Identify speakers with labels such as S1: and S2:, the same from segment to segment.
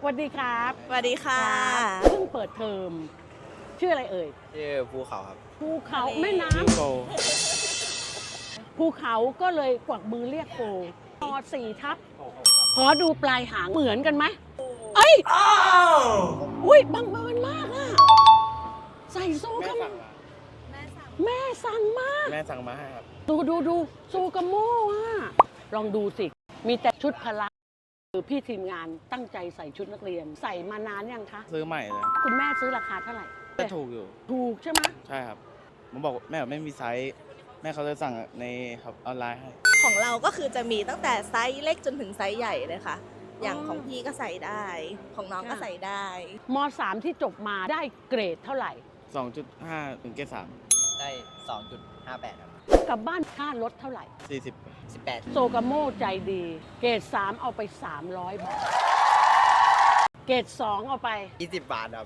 S1: วัสดีครับ
S2: สวัสดีค่ะ
S1: เพิ่งเปิดเทอมชื่ออะไรเอ่ย
S3: ชื่อภูเขาครับ
S1: ภูเขา
S2: ทะเล
S1: แม่น้
S3: ชื่อโก
S1: ำภูเขาก็เลยกวักมือเรียกโกป.4 ทับขอดูปลายหางเหมือนกันไหมเอ้ยอุ้ยบังเอิญมากอะใส่โซ
S3: แม่
S1: กัน
S3: สั่งมา
S1: แม่สั่งมาก
S3: แม่สั่งมาให้ครับ
S1: ดูโซกาโม่อะลองดูสิ มีแต่ชุดพละคือพี่ทีมงานตั้งใจใส่ชุดนักเรียน ใส่มานานยังคะ
S3: ซื้อใหม่เลย
S1: คุณแม่ซื้อราคาเท่าไหร่
S3: ก็ถูกอยู่
S1: ถูกใช่ไหม
S3: ใช่ครับ ผมบอกแม่ไม่มีไซส์ แม่เขาจะสั่งในครับออนไลน์ให้
S2: ของเราก็คือจะมีตั้งแต่ไซส์เล็กจนถึงไซส์ใหญ่เลยค่ะ อย่างของพี่ก็ใส่ได้ ของน้องก็ใส่ได้
S1: ม.3 ที่จบมาได้เกรดเท่าไหร่
S3: 2.5 ถึงเกรด
S4: ได้ 2.58 ครับ
S1: กลับบ้านค่ารถเท่าไหร่
S3: 3 40
S4: 18
S1: โซกาโม่ใจดี เกรด 3 เอาไป 300 บาท เกรด 2 เอาไป
S4: 20 บาทครับ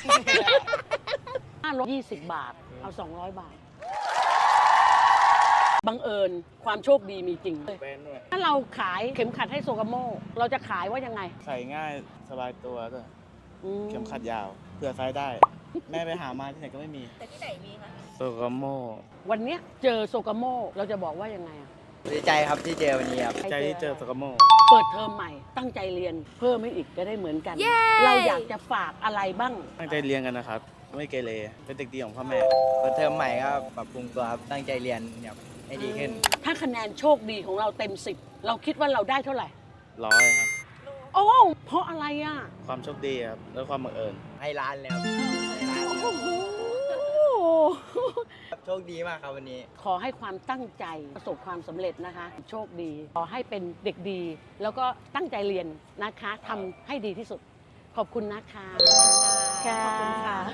S1: ค่ารถ20 บาท เอา 200 บาท บังเอิญความโชคดีมีจริง
S3: เป็นด้วย
S1: ถ้าเราขายเข็มขัดให้โซกาโม่เราจะขายว่ายังไง
S3: ใส่ง่ายสบายตัวด้วย
S1: อืม
S3: เข็มขัดยาว เผื่อไซส์ได้ แม่ไปหามาที่ไหนก็ไม่มี
S2: แต่ที่ไหนมีคะ
S3: โซกาโม
S1: วันเนี้ยเจอโซกาโม่เราจะบอกว่ายังไงอะ
S4: ดีใจครับที่เจอวันนี้ครับ
S3: ใจที่เจอโซกาโม
S1: เปิดเทอมใหม่ ตั้งใจเรียนเพิ่มให้อีกจะได้เหมือนกัน เราอยากจะฝากอะไรบ้าง
S3: ตั้งใจเรียนกันนะครับ ไม่เกเร เป็นเด็กดีของพ่อแม่
S4: เปิดเทอมใหม่ก็ปรับปรุงตัวครับ ตั้งใจเรียนครับให้ดีขึ้น
S1: ถ้าคะแนนโชคดีของเราเต็ม 10 เราคิดว่าเราได้เท่าไหร่
S3: 100ครับ
S1: โอ้ เพราะอะไรอ่ะ
S3: ความโชคดีครับ และความบังเอิญ
S4: ให้ร้านเลยครับให้ร้าน
S1: โอ้โห
S4: ครับโชคดีมากครับวันนี้
S1: ขอให้ความตั้งใจประสบความสำเร็จนะคะ โชคดี ขอให้เป็นเด็กดี แล้วก็ตั้งใจเรียนนะคะทำให้ดีที่สุด ขอบคุณนะคะค่ะ